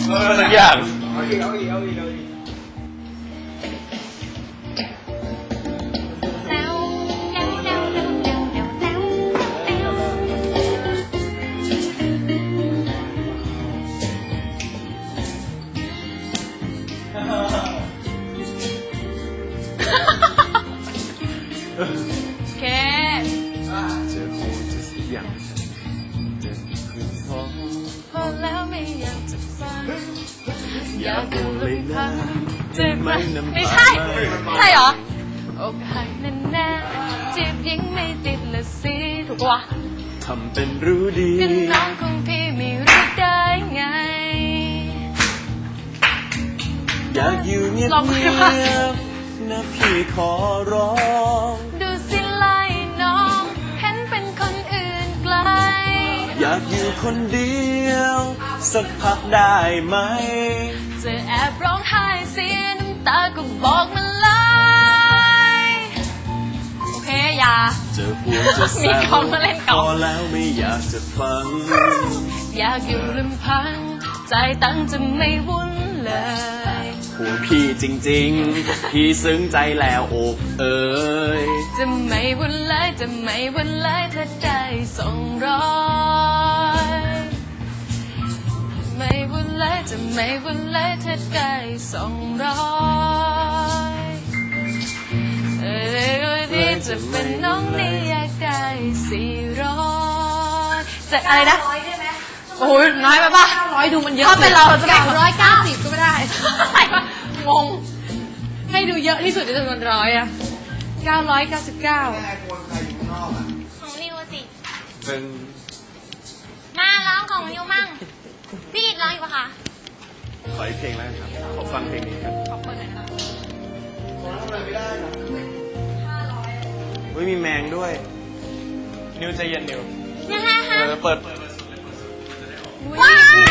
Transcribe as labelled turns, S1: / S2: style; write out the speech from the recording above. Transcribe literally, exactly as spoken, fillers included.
S1: สักอย่าง
S2: เอาอีกเอาอีกเอาอีกเอาอีก
S3: เค
S1: เจอคงจะสักอย่างเจอคืนท้อง
S3: พอแล้วไม่อยากจะฟัง
S1: อยากดูเลยนะเจ็บไหมน้ำตา
S3: ไม่ใช่ใช่เหรออกหักแน่ๆจีบยิงไม่ติดละสิถูกปะวะ
S1: ทำเป็นรู้ดี
S3: ก็น้องของพี่ไม่รู้ได้ไง
S1: อยากอยู่เงียบ
S3: ลอง
S1: เงี
S3: ดู
S1: ย
S3: ว่า
S1: บนะพี่ขอร้อง
S3: ดูสิไล่น้องเห็นเป็นคนอื่นไกล
S1: อยากอยู่คนเดียว สักพักได้ไหม
S3: จะแอบร้องไห้เสียน้ำตาก็บอกมาเลยโอเคอย่า
S1: เจอพวกจะ
S3: มี
S1: แซ
S3: กองมาเล่นก
S1: พ
S3: อง
S1: อแล้วไม่อยากจะฟัง
S3: อยากอยู่ลำพังใจตั้งจะไม่วุ่นเลย
S1: ห่วงพี่จริงๆ พี่ซึ้งใจแล้วอกเอ๋ย
S3: จะไม่วุ่นเลยจะไม่วุ่นเลยถ้าได้ส่งรอยไม่วุ่นเลยจะไม่วุ่นเลยถ้าได้ส่งรอยเออที่จะเป็นน้องนี่อยากได้สี่ร้อยจะอะไรนะโอ้ยน้อยไปป่ะร้อยดูมันเยอะถ้าเป็นเราจะได้ร้อยเก้าสิบก็ไม่ได้งงให้ดูเยอะที่สุดในจำนวนร้อยอะเก้าร้อยเก้าสิบเก้า
S4: ของนิวสิ
S1: เป็น
S4: มาร้องของนิวมั่ง พี่กิตร้องอีกปะคะ
S1: ขออีกเพลงแล้วกันครับ ขอฟังเพลงนี้ครับ
S3: ขอบคุณนะคะ
S1: เฮ้ยมีแมงด้วย นิวใจเย็นนิว
S4: ยังไงคะ
S1: เออเปิด
S4: ว้าย